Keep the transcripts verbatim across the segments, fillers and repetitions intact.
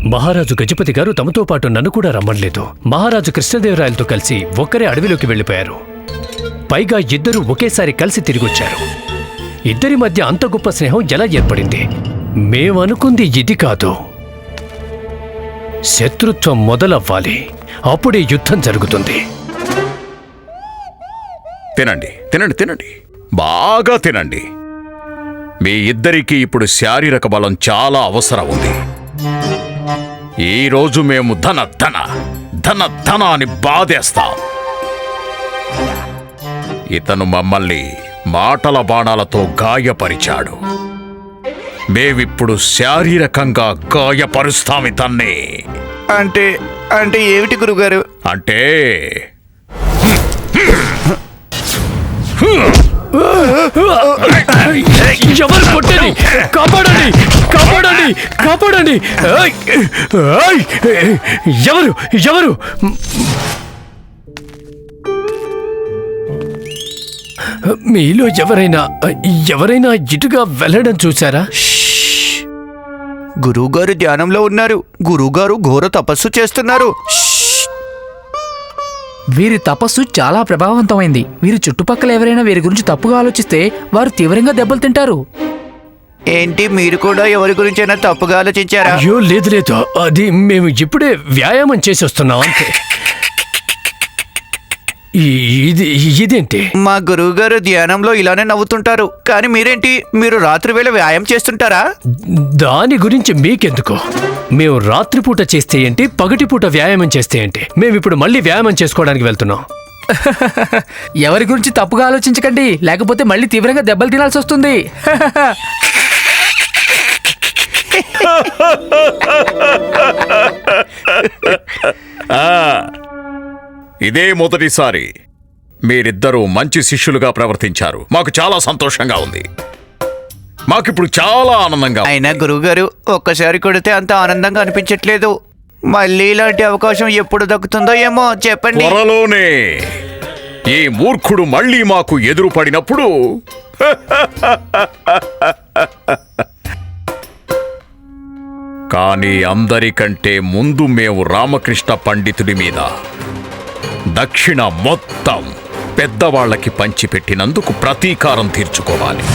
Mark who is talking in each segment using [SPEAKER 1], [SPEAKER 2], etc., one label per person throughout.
[SPEAKER 1] మహారాజు గజపతి గారు తమతో పాటు నన్ను కూడా రమ్మనలేదు. మహారాజు కృష్ణదేవరాయలతో కలిసి ఒక్కరే అడవిలోకి వెళ్ళిపోయారు. పైగా ఇద్దరూ ఒకేసారి కలిసి తిరిగొచ్చారు. ఇద్దరి మధ్య అంత గొప్ప స్నేహం ఎలా ఏర్పడింది? మేమనుకుంది ఇది కాదు. శత్రుత్వం మొదలవ్వాలి, అప్పుడే యుద్ధం జరుగుతుంది.
[SPEAKER 2] తినండి తినండి తినండి బాగా తినండి. మీ ఇద్దరికీ ఇప్పుడు శారీరక బలం చాలా అవసరం ఉంది. ఈరోజు మేము ధన ధన ధన ధన అని బాధేస్తాం. ఇతను మమ్మల్ని మాటల బాణాలతో గాయపరిచాడు. మేమిప్పుడు శారీరకంగా గాయపరుస్తాం ఇతన్ని.
[SPEAKER 3] అంటే అంటే ఏమిటి గురుగారు?
[SPEAKER 2] అంటే
[SPEAKER 1] ఎవరు కొట్టండి, కాపాడండి, కాపాడండి, కాపాడండి. ఎవరు ఎవరు మీలో ఎవరైనా ఎవరైనా ఇటుగా వెళ్ళడం చూసారా?
[SPEAKER 3] గురువుగారు ధ్యానంలో ఉన్నారు. గురువుగారు ఘోర తపస్సు చేస్తున్నారు.
[SPEAKER 4] వీరి తపస్సు చాలా ప్రభావవంతమైంది. వీరి చుట్టుపక్కల ఎవరైనా వీరి గురించి తప్పుగా ఆలోచిస్తే వారు తీవ్రంగా దెబ్బలు తింటారు.
[SPEAKER 3] ఏంటి, మీరు కూడా ఎవరి గురించైనా తప్పుగా ఆలోచించారా?
[SPEAKER 1] అయ్యో లేదు లేదు, అది మేము ఇప్పుడే వ్యాయామం చేసి వస్తున్నాం అంతే. ఇది ఇదేంటి?
[SPEAKER 3] మా గురువుగారు ధ్యానంలో ఇలానే నవ్వుతుంటారు. కానీ మీరేంటి, మీరు రాత్రి వేళ వ్యాయామం చేస్తుంటారా?
[SPEAKER 1] దాని గురించి మీకెందుకు? మేము రాత్రిపూట చేస్తే ఏంటి, పగటిపూట వ్యాయామం చేస్తే ఏంటి? మేమిప్పుడు మళ్ళీ వ్యాయామం చేసుకోవడానికి వెళ్తున్నాం.
[SPEAKER 4] ఎవరి గురించి తప్పుగా ఆలోచించకండి, లేకపోతే మళ్ళీ తీవ్రంగా దెబ్బలు తినాల్సి వస్తుంది.
[SPEAKER 2] ఇదే మొదటిసారి మీరిద్దరూ మంచి శిష్యులుగా ప్రవర్తించారు. మాకు చాలా సంతోషంగా ఉంది. మాకిప్పుడు చాలా ఆనందంగా ఉంది.
[SPEAKER 3] అయినా గురువుగారు ఒక్కసారి కొడితే అంత ఆనందంగా అనిపించట్లేదు. మళ్ళీ ఇలాంటి అవకాశం ఎప్పుడు దక్కుతుందో ఏమో చెప్పండి.
[SPEAKER 2] త్వరలోనే ఈ మూర్ఖుడు మళ్ళీ మాకు ఎదురు పడినప్పుడు కానీ అందరికంటే ముందు మేము రామకృష్ణ పండితుడి మీద దక్షిణ మొత్తం పెద్దవాళ్లకి పంచిపెట్టినందుకు ప్రతీకారం తీర్చుకోవాలి.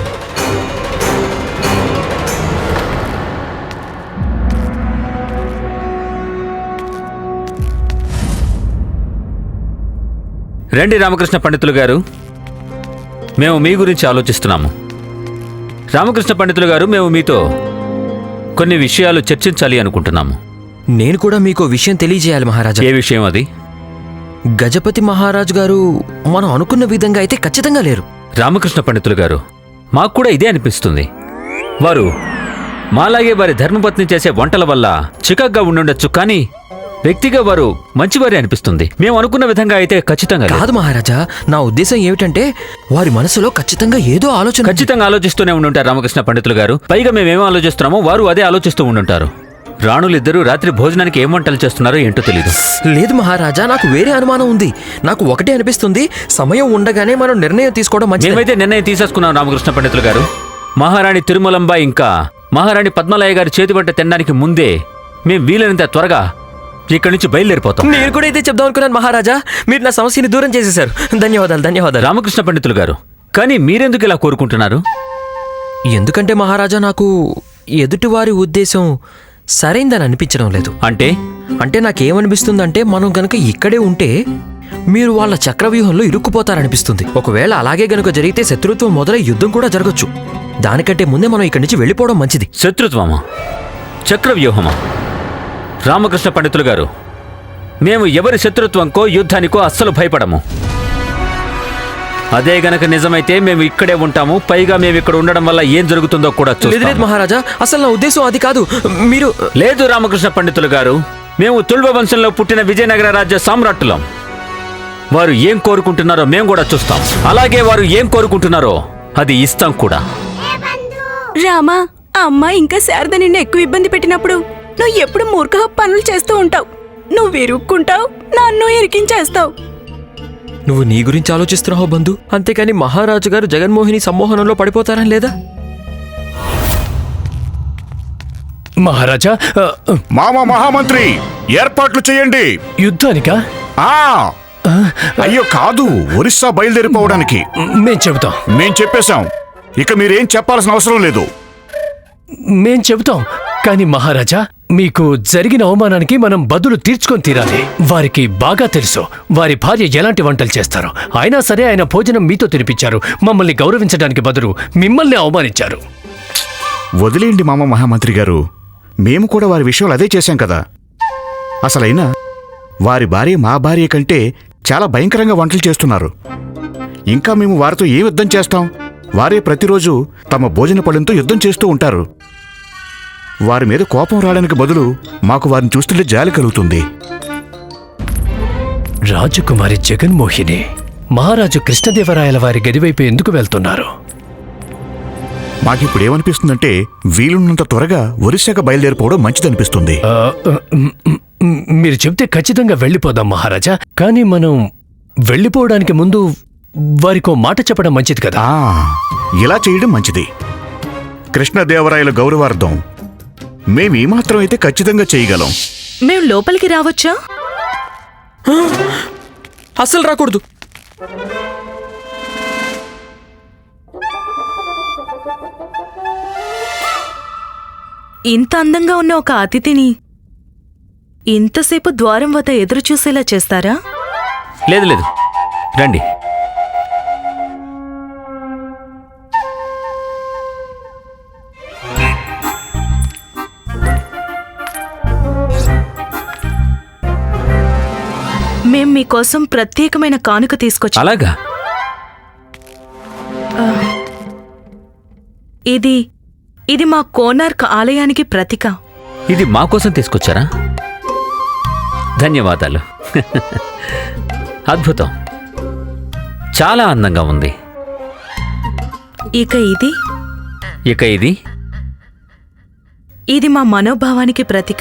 [SPEAKER 5] రండి రామకృష్ణ పండితులు గారు, మేము మీ గురించి ఆలోచిస్తున్నాము. రామకృష్ణ పండితులు గారు, మేము మీతో కొన్ని విషయాలు చర్చించాలి అనుకుంటున్నాము.
[SPEAKER 6] నేను కూడా మీకు విషయం తెలియజేయాలి మహారాజా.
[SPEAKER 5] ఏ విషయం అది?
[SPEAKER 6] గజపతి మహారాజు గారు మనం అనుకున్న విధంగా అయితే ఖచ్చితంగా లేరు.
[SPEAKER 5] రామకృష్ణ పండితులు గారు, మాకు కూడా ఇదే అనిపిస్తుంది. వారు మాలాగే వారి ధర్మపత్ని చేసే వంటల వల్ల చికాగ్గా ఉండుండొచ్చు, కానీ వ్యక్తిగా వారు మంచివారే అనిపిస్తుంది. మేము అనుకున్న విధంగా అయితే ఖచ్చితంగా
[SPEAKER 6] కాదు మహారాజా. నా ఉద్దేశం ఏమిటంటే వారి మనసులో ఖచ్చితంగా ఏదో ఆలోచన.
[SPEAKER 5] ఖచ్చితంగా ఆలోచిస్తూనే ఉండుంటారు రామకృష్ణ పండితులు గారు. పైగా మేమేమో ఆలోచిస్తున్నామో వారు అదే ఆలోచిస్తూ ఉండుంటారు. రాణులిద్దరూ రాత్రి భోజనానికి ఏం వంటలు చేస్తున్నారో ఏంటో తెలీదు.
[SPEAKER 6] లేదు మహారాజా, నాకు వేరే అనుమానం ఉంది. నాకు ఒకటే అనిపిస్తుంది, సమయం ఉండగానే మనం నిర్ణయం తీసుకోవడం మంచిది.
[SPEAKER 5] మేమైతే నిర్ణయం తీసేసుకున్నాం రామకృష్ణ పండితులు గారు. మహారాణి తిరుమలంబ ఇంకా మహారాణి పద్మలయ్య గారి చేతి వంట తినడానికి ముందే మేము వీలైనంత త్వరగా ఇక్కడి నుంచి బయలుదేరిపోతాం.
[SPEAKER 6] నేను కూడా అయితే చెప్దాం అనుకున్నాను మహారాజా. మీరు నా సమస్యని దూరం చేసేశారు. ధన్యవాదాలు ధన్యవాదాలు
[SPEAKER 5] రామకృష్ణ పండితులు గారు. కానీ మీరెందుకు ఇలా కోరుకుంటున్నారు?
[SPEAKER 6] ఎందుకంటే మహారాజా, నాకు ఎదుటివారి ఉద్దేశం సరైందని అనిపించడం లేదు.
[SPEAKER 5] అంటే
[SPEAKER 6] అంటే నాకేమనిపిస్తుందంటే, మనం గనక ఇక్కడే ఉంటే మీరు వాళ్ళ చక్రవ్యూహంలో ఇరుక్కుపోతారనిపిస్తుంది. ఒకవేళ అలాగే గనుక జరిగితే శత్రుత్వం మొదలై యుద్ధం కూడా జరగచ్చు. దానికంటే ముందే మనం ఇక్కడి నుంచి వెళ్ళిపోవడం మంచిది.
[SPEAKER 5] శత్రుత్వమా? చక్రవ్యూహమా? రామకృష్ణ పండితులు గారు, మేము ఎవరి శత్రుత్వంకో యుద్ధానికో అస్సలు భయపడము. అదే గనక నిజమైతే మేము ఇక్కడే ఉంటాము. పైగా మేము ఇక్కడ ఉండడం వల్ల ఏం జరుగుతుందో కూడా చూస్తాము.
[SPEAKER 6] లేదు మహారాజా, అసలు నా ఉద్దేశం అది కాదు. మీరు
[SPEAKER 5] లేదు రామకృష్ణ పండితులు గారు, మేము తుల్వ వంశంలో పుట్టిన విజయనగర రాజ్య సామ్రాట్టులం. వారు ఏం కోరుకుంటున్నారో మేము కూడా చూస్తాం. అలాగే వారు ఏం కోరుకుంటున్నారో అది ఇస్తాం కూడా.
[SPEAKER 7] రామా, అమ్మ ఇంకా శారద నిన్ను ఎక్కువ ఇబ్బంది పెట్టినప్పుడు నువ్వు ఎప్పుడు మూర్ఖ పనులు చేస్తూ ఉంటావు. నువ్వు ఇరుక్కుంటావు, నన్ను ఇరికించేస్తావు.
[SPEAKER 6] నువ్వు నీ గురించి ఆలోచిస్తున్నావు బంధు, అంతేకాని మహారాజు గారు జగన్మోహిని సమ్మోహనంలో పడిపోతారని లేదా?
[SPEAKER 1] మహారాజా ఆ,
[SPEAKER 2] మామ మహామంత్రి ఏర్పాట్లు చేయండి.
[SPEAKER 1] యుద్ధానికా?
[SPEAKER 2] ఆ అయ్యో కాదు, ఒరిస్సా బయలుదేరిపోవడానికి.
[SPEAKER 1] మేం చెబుతాం
[SPEAKER 2] మేం చెప్పేశాం, ఇక మీరేం చెప్పాల్సిన అవసరం లేదు.
[SPEAKER 1] మేం చెబుతాం కానీ మహారాజా, మీకు జరిగిన అవమానానికి మనం బదులు తీర్చుకొని తీరాలి. వారికి బాగా తెలుసు వారి భార్య ఎలాంటి వంటలు చేస్తారో. అయినా సరే ఆయన భోజనం మీతో తినిపించారు. మమ్మల్ని గౌరవించడానికి బదులు మిమ్మల్ని అవమానించారు.
[SPEAKER 2] వదిలేయండి మామ మహామంత్రి గారు, మేము కూడా వారి విషయంలో అదే చేశాం కదా. అసలైనా వారి భార్య మా భార్య కంటే చాలా భయంకరంగా వంటలు చేస్తున్నారు. ఇంకా మేము వారితో ఏ యుద్ధం చేస్తాం? వారే ప్రతిరోజు తమ భోజన పళ్ళంతో యుద్ధం చేస్తూ ఉంటారు. వారి మీద కోపం రావడానికి బదులు మాకు వారిని చూస్తుంటే జాలి కలుగుతుంది.
[SPEAKER 1] రాజకుమారి జగన్మోహిని మహారాజు కృష్ణదేవరాయల వారి గదివైపు ఎందుకు వెళ్తున్నారు?
[SPEAKER 2] మాకిప్పుడు ఏమనిపిస్తుందంటే వీలున్నంత త్వరగా ఒరిస్సాకు బయలుదేరిపోవడం మంచిదనిపిస్తుంది.
[SPEAKER 1] ఆ, మ్, మ్, మ్, మీరు చెప్తే ఖచ్చితంగా వెళ్ళిపోదాం మహారాజా. కానీ మనం వెళ్ళిపోవడానికి ముందు వారికో మాట చెప్పడం మంచిది కదా.
[SPEAKER 2] ఆ ఇలా చేయడం మంచిది. కృష్ణదేవరాయల గౌరవార్థం మేమేమాత్రం అయితే ఖచ్చితంగా చేయగలం.
[SPEAKER 7] మేం లోపలికి రావచ్చా?
[SPEAKER 6] అస్సలు రాకూడదు.
[SPEAKER 7] ఇంత అందంగా ఉన్న ఒక అతిథిని ఇంతసేపు ద్వారం వద్ద ఎదురు చూసేలా చేస్తారా?
[SPEAKER 5] లేదు లేదు, రండి.
[SPEAKER 7] మేం మీకోసం ప్రత్యేకమైన కానుక తీసుకొచ్చాం.
[SPEAKER 5] అలాగా?
[SPEAKER 7] ఇది ఇది మా కోనార్క్ ఆలయానికి ప్రతీక.
[SPEAKER 5] ఇది మా కోసం తీసుకొచ్చారా? ధన్యవాదాలు. అద్భుతం, చాలా అందంగా ఉంది.
[SPEAKER 7] ఇక ఇది
[SPEAKER 5] ఇక ఇది
[SPEAKER 7] ఇది మా మనోభావానికి ప్రతీక.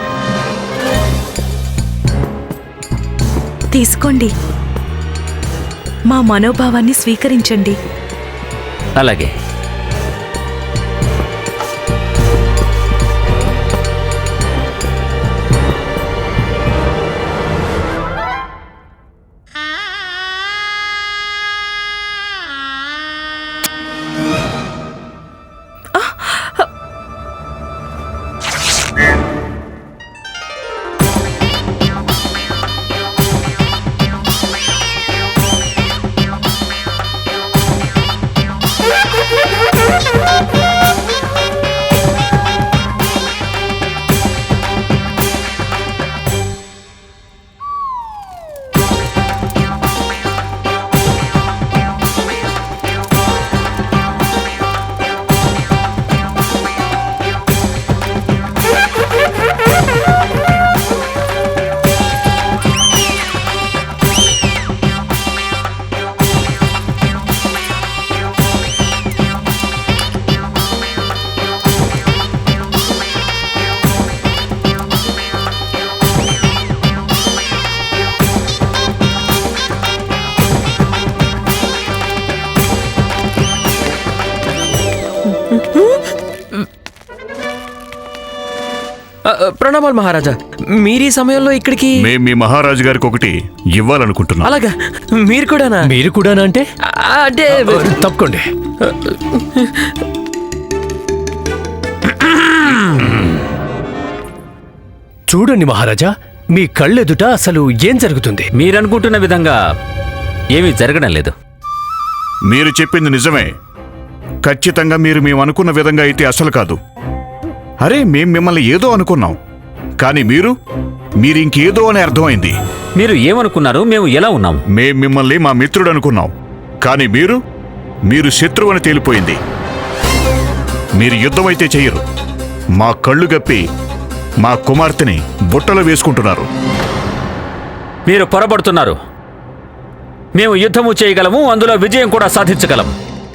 [SPEAKER 7] తీసుకోండి, మా మనోభావాన్ని స్వీకరించండి.
[SPEAKER 5] అలాగే.
[SPEAKER 6] ఆ, ఆ, ప్రణామాలు మహారాజా. మీరు ఈ సమయంలో ఇక్కడికి?
[SPEAKER 2] మేం మీ మహారాజు గారికి ఒకటి ఇవ్వాలనుకుంటున్నాం.
[SPEAKER 6] అలాగా? మీరు కూడానా?
[SPEAKER 1] మీరు కూడానా? అంటే
[SPEAKER 6] ఆ, అంటే
[SPEAKER 1] తప్పకోండి. చూడండి మహారాజా, మీ కళ్ళెదుట అసలు ఏం జరుగుతుంది?
[SPEAKER 5] మీరనుకుంటున్న విధంగా ఏమీ జరగడం లేదు.
[SPEAKER 2] మీరు చెప్పింది నిజమే. ఖచ్చితంగా మీరు మేము అనుకున్న విధంగా అయితే అసలు కాదు. అరే మేం మిమ్మల్ని ఏదో అనుకున్నాం, కానీ మీరు మీరింకేదో అని అర్థమైంది.
[SPEAKER 5] మీరు ఏమనుకున్నారు? మేము ఎలా ఉన్నాం?
[SPEAKER 2] మేం మిమ్మల్ని మా మిత్రుడు అనుకున్నాం, కానీ మీరు మీరు శత్రువు అని తేలిపోయింది. మీరు యుద్ధమైతే చెయ్యరు, మా కళ్ళు గప్పి మా కుమార్తెని బుట్టలో వేసుకుంటున్నారు.
[SPEAKER 5] మీరు పొరబడుతున్నారు. మేము యుద్ధము చేయగలము, అందులో విజయం కూడా సాధించగలము.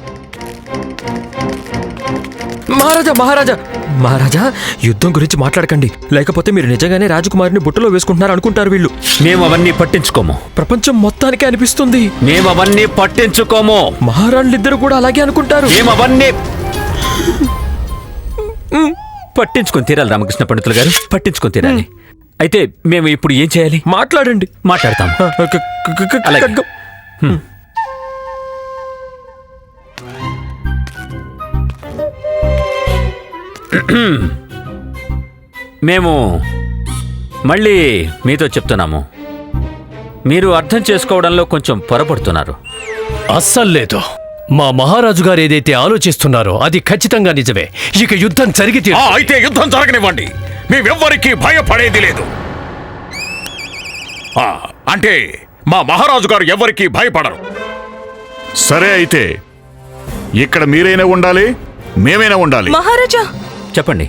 [SPEAKER 6] మహారాజా మహారాజా మహారాజా యుద్ధం గురించి మాట్లాడకండి, లేకపోతే మీరు నిజంగానే రాజకుమారిని బుట్టలో వేసుకుంటున్నారు అనుకుంటారు వీళ్ళు.
[SPEAKER 5] మేము అవన్నీ పట్టించుకోము.
[SPEAKER 6] ప్రపంచం మొత్తానికి అనిపిస్తుంది.
[SPEAKER 5] మేము అవన్నీ పట్టించుకోము.
[SPEAKER 6] మహారాణులిద్దరూ కూడా అలాగే అనుకుంటారు.
[SPEAKER 5] మేము అవన్నీ పట్టించుకొని తీరాలి రామకృష్ణ పండితులు గారు, పట్టించుకొని తీరాలి. అయితే మేము ఇప్పుడు ఏం చేయాలి?
[SPEAKER 6] మాట్లాడండి.
[SPEAKER 5] మాట్లాడతాం.
[SPEAKER 6] ఆ, క- క- క- క-
[SPEAKER 5] అలాగే.
[SPEAKER 6] ఖడ్గం.
[SPEAKER 5] మేము మళ్ళీ మీతో చెప్తున్నాము, మీరు అర్థం చేసుకోవడంలో కొంచెం పొరపడుతున్నారు.
[SPEAKER 1] అస్సలు లేదు. మా మహారాజు గారు ఏదైతే ఆలోచిస్తున్నారో అది ఖచ్చితంగా నిజమే. ఇక యుద్ధం జరిగి తీరు-
[SPEAKER 8] ఆ, అయితే యుద్ధం జరగనివ్వండి. మేమెవ్వరికీ భయపడేది లేదు. ఆ, అంటే మా మహారాజు గారు ఎవ్వరికీ భయపడరు.
[SPEAKER 2] సరే అయితే ఇక్కడ మీరైనా ఉండాలి, మేమైనా ఉండాలి.
[SPEAKER 7] మహారాజా,
[SPEAKER 5] చెప్పండి.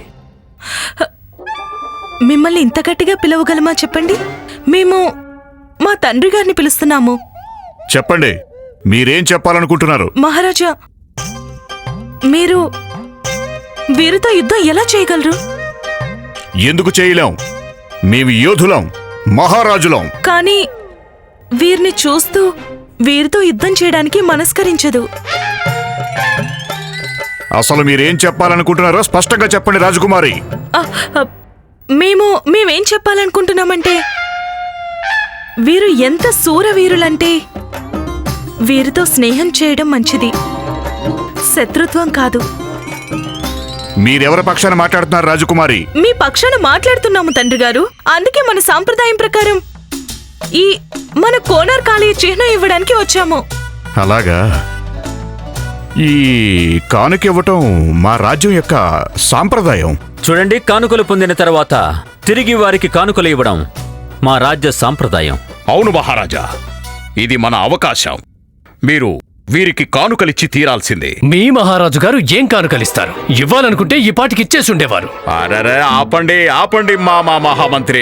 [SPEAKER 7] మిమ్మల్ని ఇంత గట్టిగా పిలవగలమా చెప్పండి? మేము మా తండ్రి గారిని పిలుస్తున్నాము.
[SPEAKER 2] చెప్పండి, మీరేం చెప్పాలనుకుంటున్నారు?
[SPEAKER 7] మహారాజా, మీరు వీరితో యుద్ధం ఎలా చేయగలరు?
[SPEAKER 2] ఎందుకు చేయలేం? మేము యోధులం, మహారాజులం.
[SPEAKER 7] కానీ వీరిని చూస్తూ వీరితో యుద్ధం చేయడానికి మనస్కరించదు.
[SPEAKER 2] అసలు మీరేం చెప్పాలనుకుంటున్నారో స్పష్టంగా చెప్పండి రాజకుమారి.
[SPEAKER 7] ఆ, ఆ, మేము మేమేం చెప్పాలనుకుంటున్నామంటే వీరు ఎంత శూరవీరులంటే వీరితో స్నేహం చేయడం మంచిది, శత్రుత్వం కాదు.
[SPEAKER 2] మీరెవరి పక్షాన మాట్లాడుతున్నారు రాజకుమారి?
[SPEAKER 7] మీ పక్షాన మాట్లాడుతున్నాము తండ్రి గారు. అందుకే మన సాంప్రదాయం ప్రకారం ఈ మన కోనార్ కాళీ చిహ్నం ఇవ్వడానికి వచ్చాము.
[SPEAKER 2] అలాగా? ఈ కానుక ఇవ్వటం మా రాజ్యం యొక్క సాంప్రదాయం.
[SPEAKER 5] చూడండి, కానుకలు పొందిన తర్వాత తిరిగి వారికి కానుకలు ఇవ్వడం మా రాజ్య సాంప్రదాయం.
[SPEAKER 8] అవును మహారాజా, ఇది మన అవకాశం. మీరు వీరికి కానుకలిచ్చి తీరాల్సిందే.
[SPEAKER 1] మీ మహారాజు గారు ఏం కానుకలిస్తారు? ఇవ్వాలనుకుంటే ఈ పాటికి ఇచ్చేసి ఉండేవారు.
[SPEAKER 8] అరెరే, ఆపండి ఆపండి మా మా మహామంత్రి.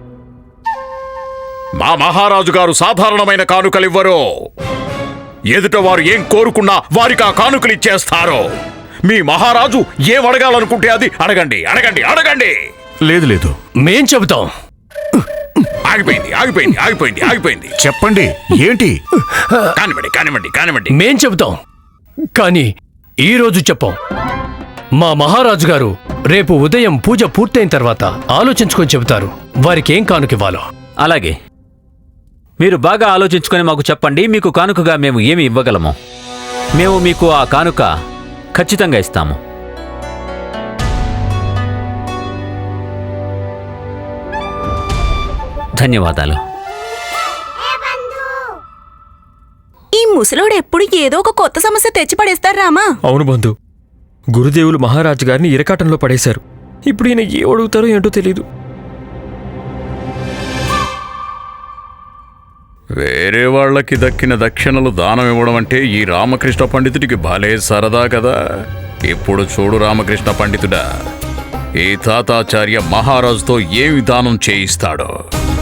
[SPEAKER 8] మా మహారాజు గారు సాధారణమైన కానుకలివ్వరు. ఎదుట వారు ఏం కోరుకున్నా వారికి ఆ కానుకలు ఇచ్చేస్తారు. మీ మహారాజు ఏం అడగాలనుకుంటే అది అడగండి అడగండి అడగండి.
[SPEAKER 2] లేదు లేదు,
[SPEAKER 1] మేం చెబుతాం.
[SPEAKER 8] ఆగిపోయింది ఆగిపోయింది ఆగిపోయింది ఆగిపోయింది.
[SPEAKER 2] చెప్పండి, ఏంటి?
[SPEAKER 8] కానివ్వండి కానివ్వండి కానివ్వండి.
[SPEAKER 1] మేం చెబుతాం, కానీ ఈ రోజు చెప్పం. మా మహారాజు గారు రేపు ఉదయం పూజ పూర్తయిన తర్వాత ఆలోచించుకొని చెబుతారు వారికి ఏం కానుకివ్వాలో.
[SPEAKER 5] అలాగే, మీరు బాగా ఆలోచించుకొని మాకు చెప్పండి, మీకు కానుకగా మేము ఏమి ఇవ్వగలమో. మేము మీకు ఆ కానుక ఖచ్చితంగా ఇస్తాము. ధన్యవాదాలు.
[SPEAKER 7] ఈ ముసలోడు ఎప్పుడు ఏదో ఒక కొత్త సమస్య తెచ్చి పడేస్తారు రామా.
[SPEAKER 6] అవును బంధు, గురుదేవులు మహారాజు గారిని ఇరకాటంలో పడేశారు. ఇప్పుడు ఈయన ఏ అడుగుతారో ఏంటో తెలీదు.
[SPEAKER 8] వేరే వాళ్ళకి దక్కిన దక్షిణలు దానం ఇవ్వడం అంటే ఈ రామకృష్ణ పండితుడికి భలే సరదా కదా. ఇప్పుడు చూడు రామకృష్ణ పండితుడా, ఈ తాతాచార్య మహారాజుతో ఏమి దానం చేయిస్తాడో.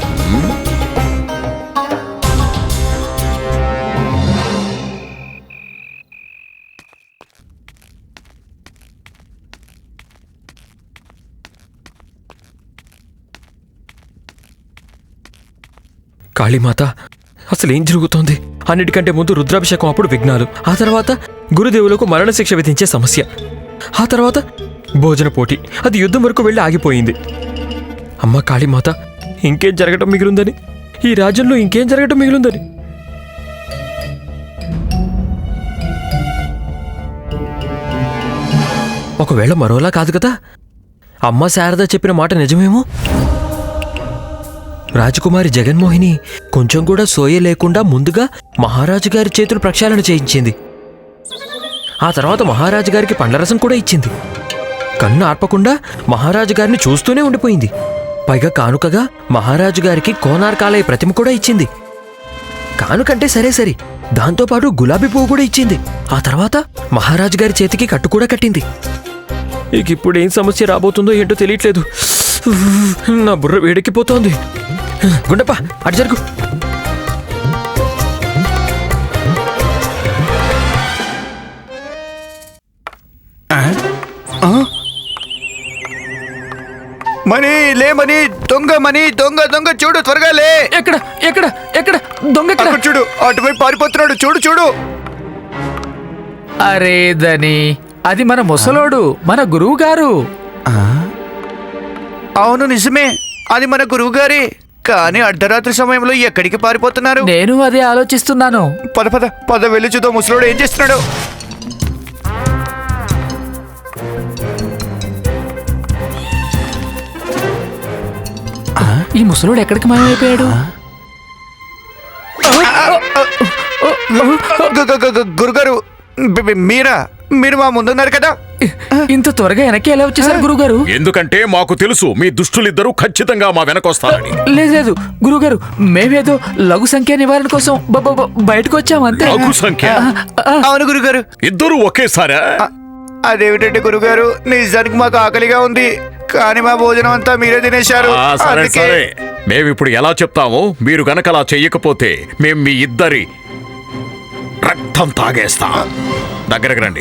[SPEAKER 6] కాళీమాత, అసలు ఏం జరుగుతోంది? అన్నిటికంటే ముందు రుద్రాభిషేకం, అప్పుడు విఘ్నాలు, ఆ తర్వాత గురుదేవులకు మరణశిక్ష విధించే సమస్య, ఆ తర్వాత భోజన పోటీ. అది యుద్ధం వరకు వెళ్ళి ఆగిపోయింది. అమ్మ కాళీమాత, ఇంకేం జరగటం మిగిలిందని, ఈ రాజ్యంలో ఇంకేం జరగటం మిగిలిందని. ఒకవేళ మరోలా కాదు కదా, అమ్మ శారద చెప్పిన మాట నిజమేమో. రాజకుమారి జగన్మోహిని కొంచెం కూడా సోయ లేకుండా ముందుగా మహారాజు గారి చేతులు ప్రక్షాళన చేయించింది. ఆ తర్వాత మహారాజు గారికి పండ్లరసం కూడా ఇచ్చింది. కన్ను ఆర్పకుండా మహారాజు గారిని చూస్తూనే ఉండిపోయింది. పైగా కానుకగా మహారాజు గారికి కోనార్కాలయ ప్రతిమ కూడా ఇచ్చింది. కానుకంటే సరే సరే, దాంతోపాటు గులాబీ పువ్వు కూడా ఇచ్చింది. ఆ తర్వాత మహారాజు గారి చేతికి కట్టు కూడా కట్టింది. ఇక ఇప్పుడు ఏం సమస్య రాబోతుందో ఏంటో తెలియట్లేదు. నా బుర్ర వేడెక్కిపోతోంది. గుండప్ప, అటు జరుగు.
[SPEAKER 3] మనీ లే మనీ, దొంగ మనీ, దొంగ దొంగ, చూడు త్వరగా లే.
[SPEAKER 4] ఎక్కడ ఎక్కడ ఎక్కడ దొంగ ఎక్కడ?
[SPEAKER 3] అక్కడ చూడు, అటువైపు పారిపోతున్నాడు, చూడు చూడు.
[SPEAKER 4] అరే దని, అది మన ముసలోడు, మన గురువు గారు.
[SPEAKER 3] అవును నిజమే, అది మన గురువు గారే. కానీ అర్ధరాత్రి సమయంలో ఎక్కడికి పారిపోతున్నారు?
[SPEAKER 4] నేను అదే ఆలోచిస్తున్నాను.
[SPEAKER 3] పద పద పద వెళ్ళి చూద్దాం ముసలోడు ఏం చేస్తున్నాడు.
[SPEAKER 4] ఈ ముసలోడు ఎక్కడికి మాయమైపోయాడు?
[SPEAKER 3] గు- గు- గు- గు- గురుగారు, బి- బి- మీరా? మీరు మా ముందున్నారు కదా.
[SPEAKER 4] ఇంత త్వరగా వెనక్కి ఎలా వచ్చేసారు గురుగారు?
[SPEAKER 8] ఎందుకంటే మాకు తెలుసు మీ దుష్టులిద్దరూ ఖచ్చితంగా మా వెనకొస్తారని.
[SPEAKER 4] లేదు లేదు గురుగారు, మేమేదో లఘు సంఖ్య నివారణ కోసం బ- బ- బ- బయటకు వచ్చాం అంతే.
[SPEAKER 8] లఘు సంఖ్య?
[SPEAKER 3] అవును గురుగారు.
[SPEAKER 8] ఇద్దరూ ఒకేసారా?
[SPEAKER 3] అదేమిటంటే గురుగారు, నిజానికి మాకు ఆకలిగా ఉంది, కానీ మా భోజనం అంతా మీరే తినేశారు.
[SPEAKER 8] ఆ, సరే
[SPEAKER 3] అందుకే
[SPEAKER 8] సరే, మేమిప్పుడు ఎలా చెప్తాము? మీరు గనక అలా చెయ్యకపోతే మేం మీ ఇద్దరి రక్తం తాగేస్తాం. దగ్గరకు రండి.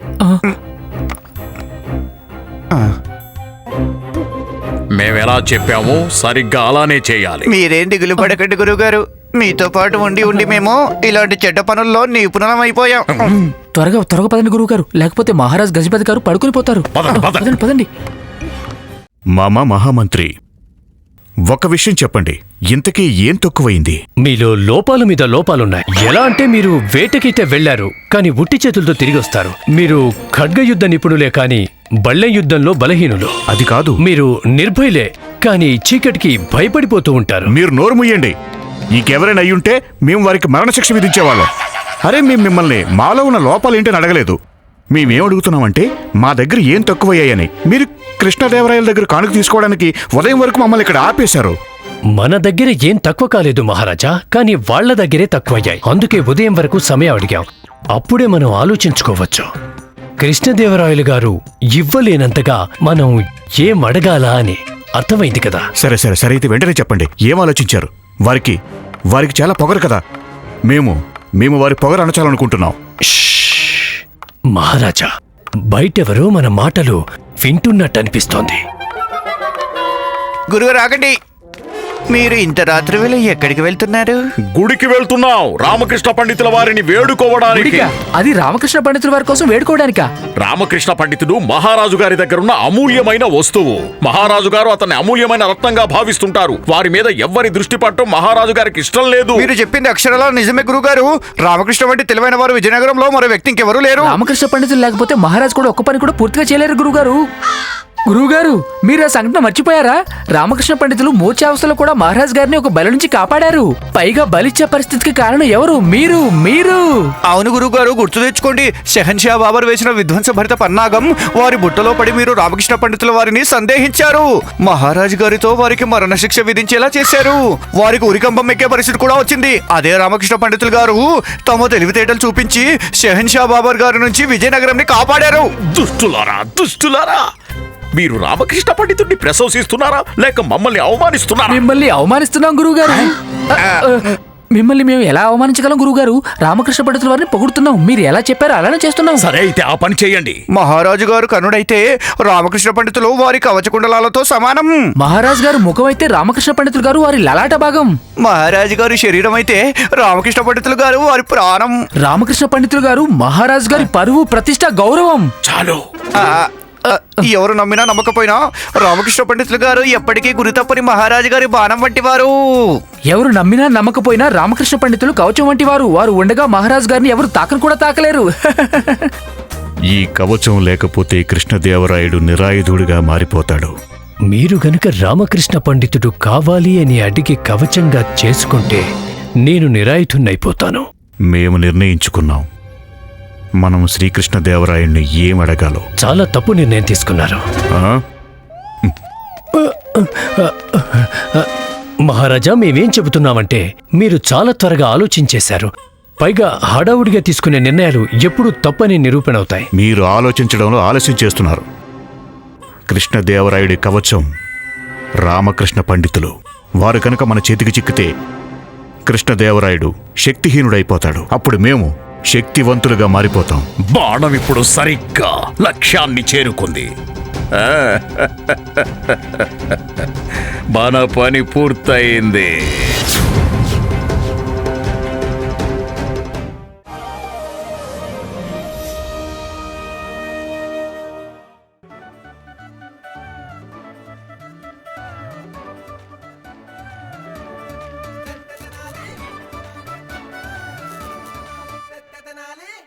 [SPEAKER 8] మేమెలా చెప్పామో సరిగ్గా అలానే చేయాలి.
[SPEAKER 3] మీరేం దిగులు పడకండి గురుగారు. మీతో పాటు ఉండి ఉండి మేము ఇలాంటి చెడ్డ పనుల్లో నిపుణులం అయిపోయాం.
[SPEAKER 4] త్వరగా త్వరగా పదండి గురుగారు, లేకపోతే మహారాజ్ గజపతి గారు పడుకుని పోతారు.
[SPEAKER 8] పదండి, పదండి.
[SPEAKER 4] పదండి పదండి.
[SPEAKER 2] మామా మహామంత్రి, ఒక విషయం చెప్పండి, ఇంతకీ ఏం తక్కువైంది?
[SPEAKER 1] మీలో లోపాలు మీద లోపాలున్నాయి. ఎలా అంటే మీరు వేటకైతే వెళ్లారు, కానీ ఉట్టి చేతులతో తిరిగి వస్తారు. మీరు ఖడ్గ యుద్ధ నిపుణులే కాని బళ్ళె యుద్ధంలో బలహీనులు.
[SPEAKER 2] అది కాదు.
[SPEAKER 1] మీరు నిర్భయులే కానీ చీకటికి భయపడిపోతూ ఉంటారు.
[SPEAKER 2] మీరు నోరు ముయ్యండి. ఇంకెవరైనా అయ్యుంటే మేము వారికి మరణశిక్ష విధించేవాళ్ళం. అరే, మేము మిమ్మల్ని మాలో ఉన్న లోపాలేంటని అడగలేదు. మేమేం అడుగుతున్నామంటే మా దగ్గర ఏం తక్కువయ్యాయని. మీరు కృష్ణదేవరాయల దగ్గర కానుక తీసుకోవడానికి ఉదయం వరకు మమ్మల్ని ఇక్కడ ఆపేశారు.
[SPEAKER 1] మన దగ్గర ఏం తక్కువ కాలేదు మహారాజా, కానీ వాళ్ల దగ్గరే తక్కువయ్యాయి. అందుకే ఉదయం వరకు సమయం అడిగాం. అప్పుడే మనం ఆలోచించుకోవచ్చు. కృష్ణదేవరాయలు గారు ఇవ్వలేనంతగా మనం ఏం అడగాలా అని అర్థమైంది కదా.
[SPEAKER 2] సరే సరే సరే అయితే వెంటనే చెప్పండి, ఏం ఆలోచించారు? వారికి వారికి చాలా పొగరు కదా. మేము మేము వారి పొగరు అణచాలనుకుంటున్నాం.
[SPEAKER 1] మహారాజా, బయటెవరో మన మాటలు వింటున్నట్టు అనిపిస్తోంది.
[SPEAKER 3] గురుగారు ఆగండి. మీరు ఇంత రాత్రి వేళ ఎక్కడికి వెళ్తున్నారు?
[SPEAKER 8] గుడికి వెళ్తున్నాం, రామకృష్ణ పండితుల వారిని వేడుకోవడానికి.
[SPEAKER 4] గుడికా? అది రామకృష్ణ పండితుల వారి కోసం వేడుకోవడానికా?
[SPEAKER 8] రామకృష్ణ పండితుడు మహారాజు గారి దగ్గరున్న అమూల్యమైన వస్తువు. మహారాజు గారు అతన్ని అమూల్యమైన రత్నంగా భావిస్తుంటారు. వారి మీద ఎవ్వరి దృష్టి పట్టడం మహారాజు గారికి ఇష్టం లేదు.
[SPEAKER 3] మీరు చెప్పింది అక్షరాలా నిజమే గురుగారు. రామకృష్ణ వంటి తెలివైన వారు విజయనగరంలో మరో వ్యక్తి ఇంకెవరూ లేరు.
[SPEAKER 4] రామకృష్ణ పండితులు లేకపోతే మహారాజ్ కూడా ఒక్క పని కూడా పూర్తిగా చేయలేరు గురుగారు. గురువుగారు, మీరు ఆ సంఘటన మర్చిపోయారా? రామకృష్ణ పండితులు మూర్ఛావస్థలో కూడా మహారాజ్ గారిని ఒక బలి నుంచి కాపాడారు. పైగా బలిచ్చే పరిస్థితికి కారణం ఎవరు? మీరు మీరు
[SPEAKER 3] అవును గురుగారు, గుర్తు తెచ్చుకోండి. షెహన్షా బాబర్ వేసిన విధ్వంసభరిత పన్నాగం వారి బుట్టలో పడి మీరు రామకృష్ణ పండితుల వారిని సందేహించారు. మహారాజు గారితో వారికి మరణశిక్ష విధించేలా చేశారు. వారికి ఉరికంబం ఎక్కే పరిస్థితి కూడా వచ్చింది. అదే రామకృష్ణ పండితులు గారు తమ తెలివితేటలు చూపించి షెహన్షా బాబర్ గారి నుంచి విజయనగరంని కాపాడారు.
[SPEAKER 8] దుష్టులారా, దుష్టులారా! మీరు రామకృష్ణ పండితుడిని ప్రశంసిస్తున్నారా లేక మమ్మల్ని అవమానిస్తున్నారా?
[SPEAKER 4] మిమ్మల్ని అవమానిస్తున్నాం గురువుగారు. మిమ్మల్ని మేము ఎలా అవమానించగలం గురువుగారు? రామకృష్ణ పండితుల వారిని పొగుడుతున్నాం. మీరు ఎలా చెప్పారో అలానే చేస్తున్నాం.
[SPEAKER 8] సరే అయితే ఆ పని చేయండి.
[SPEAKER 3] మహారాజు గారు కనుడైతే రామకృష్ణ పండితులు వారి కవచకుండలాలతో సమానం.
[SPEAKER 4] మహారాజ్ గారు ముఖం అయితే రామకృష్ణ పండితులు గారు వారి లలాట భాగం.
[SPEAKER 3] మహారాజు గారి శరీరం అయితే రామకృష్ణ పండితులు గారు వారి ప్రాణం.
[SPEAKER 4] రామకృష్ణ పండితులు గారు మహారాజ్ గారి పరువు, ప్రతిష్ట, గౌరవం.
[SPEAKER 8] చాలు.
[SPEAKER 3] ఆ, ఆ, ఎవరు నమ్మినా నమ్మకపోయినా రామకృష్ణ పండితులు గారు ఎప్పటికీ గురి తప్పని మహారాజు గారి బాణం వంటి వారు.
[SPEAKER 4] ఎవరు నమ్మినా నమ్మకపోయినా రామకృష్ణ పండితులు కవచం వంటి వారు. వారు ఉండగా మహారాజ్ గారిని ఎవరు తాకను కూడా తాకలేరు.
[SPEAKER 2] ఈ కవచం లేకపోతే కృష్ణదేవరాయుడు నిరాయుధుడిగా మారిపోతాడు.
[SPEAKER 1] మీరు గనుక రామకృష్ణ పండితుడు కావాలి అని అడిగి కవచంగా చేసుకుంటే నేను నిరాయుధున్నైపోతాను.
[SPEAKER 2] మేము నిర్ణయించుకున్నాం, మనం శ్రీకృష్ణదేవరాయుడిని ఏం అడగాలో.
[SPEAKER 1] చాలా తప్పు నిర్ణయం తీసుకున్నారు
[SPEAKER 2] ఆ?
[SPEAKER 1] మహారాజా. మేమేం చెబుతున్నామంటే మీరు చాలా త్వరగా ఆలోచించేశారు. పైగా హడావుడిగా తీసుకునే నిర్ణయాలు ఎప్పుడూ తప్పని నిరూపణ అవుతాయి.
[SPEAKER 2] మీరు ఆలోచించడంలో ఆలస్యం చేస్తున్నారు. కృష్ణదేవరాయుడి కవచం రామకృష్ణ పండితులు. వారు కనుక మన చేతికి చిక్కితే కృష్ణదేవరాయుడు శక్తిహీనుడైపోతాడు. అప్పుడు మేము శక్తివంతులుగా మారిపోతాం.
[SPEAKER 8] బాణం ఇప్పుడు సరిగ్గా లక్ష్యాన్ని చేరుకుంది. మన పని పూర్తయింది.